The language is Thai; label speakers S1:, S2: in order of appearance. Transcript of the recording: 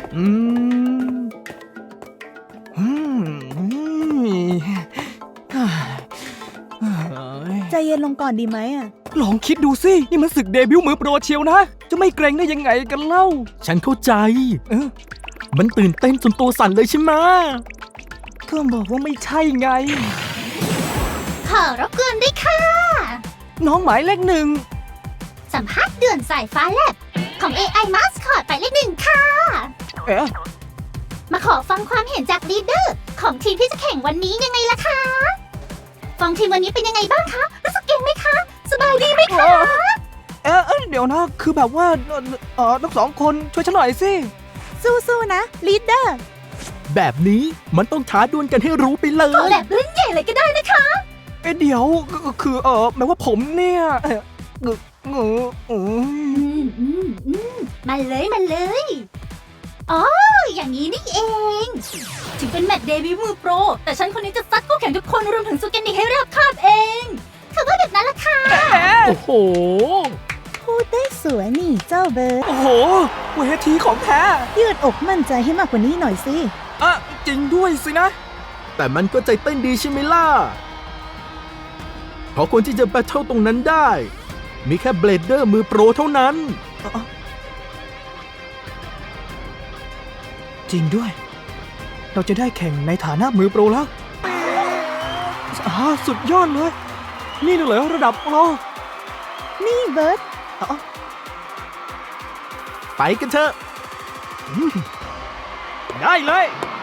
S1: อืมอืม
S2: ใจเย็นลงก่อนดีไหมอ่ะ
S1: ลองคิดดูสิ นี่มันศึกเดบิวต์มือโปรเชียวนะ จะไม่เกรงได้ยังไงกันเล่า
S3: ฉันเข้าใจ
S1: เออ
S3: มันตื่นเต้นจนตัวสั่นเลยใช่ไหม
S1: ก็บอกว่าไม่ใช่ไง
S4: ขอรบกวนด้วยค่ะ
S1: น้องหมายเลขหนึ่ง
S4: สัมภาษณ์เดือนสายฟ้าแลบของ AI Mascot ไปเลขหนึ่งค่ะ
S1: เอ๊ะ
S4: มาขอฟังความเห็นจากลีดเดอร์ของทีมที่จะแข่งวันนี้ยังไงล่ะคะ ฟังทีมวันนี้เป็นยังไงบ้างคะ รู้สึกเก่งไหมคะ สบายดีไหมคะ
S1: เดี๋ยวนะ คือแบบว่าทั้งสองคนช่วยฉันหน่อยสิ
S2: สู้ๆนะลีดเดอร์
S3: แบบนี้มันต้องท้าดวลกันให้รู้ไปเล
S4: ขอย แลบรุ่นใหญ่เลยก็ได้นะคะ
S1: เดี๋ยวคือหมายว่าผมเนี่ย
S4: มาเลยมาเลย อ๋อ อย่างนี้นี่เอง ถึงเป็นแมตช์เดบิวต์มือโปร แต่ฉันคนนี้จะซัดคู่แข่งทุกคนรวมถึงสุกันนิกให้ราบคาบเองคือว่าแบบนั้นล่ะค่ะ
S3: โอ้โห
S2: พูดได้สวยนี่เจ้าเบิร์ด
S1: โอ้โหเวทีของแท้
S2: ยืดอกมั่นใจให้มากกว่านี้หน่อยสิ
S1: จริงด้วยสินะ
S3: แต่มันก็ใจเต้นดีใช่ไหมล่ะ เพราะคนที่จะแบทเทิลตรงนั้นได้ มีแค่เบลเดอร์มือโปรเท่านั้น
S1: จริงด้วย เราจะได้แข่งในฐานะมือโปรแล้วสุดยอดเลย นี่น่ะเหรอระดับโปร
S2: นี่เบิร์ด
S3: ไปกันเถอะ
S1: ได้เลย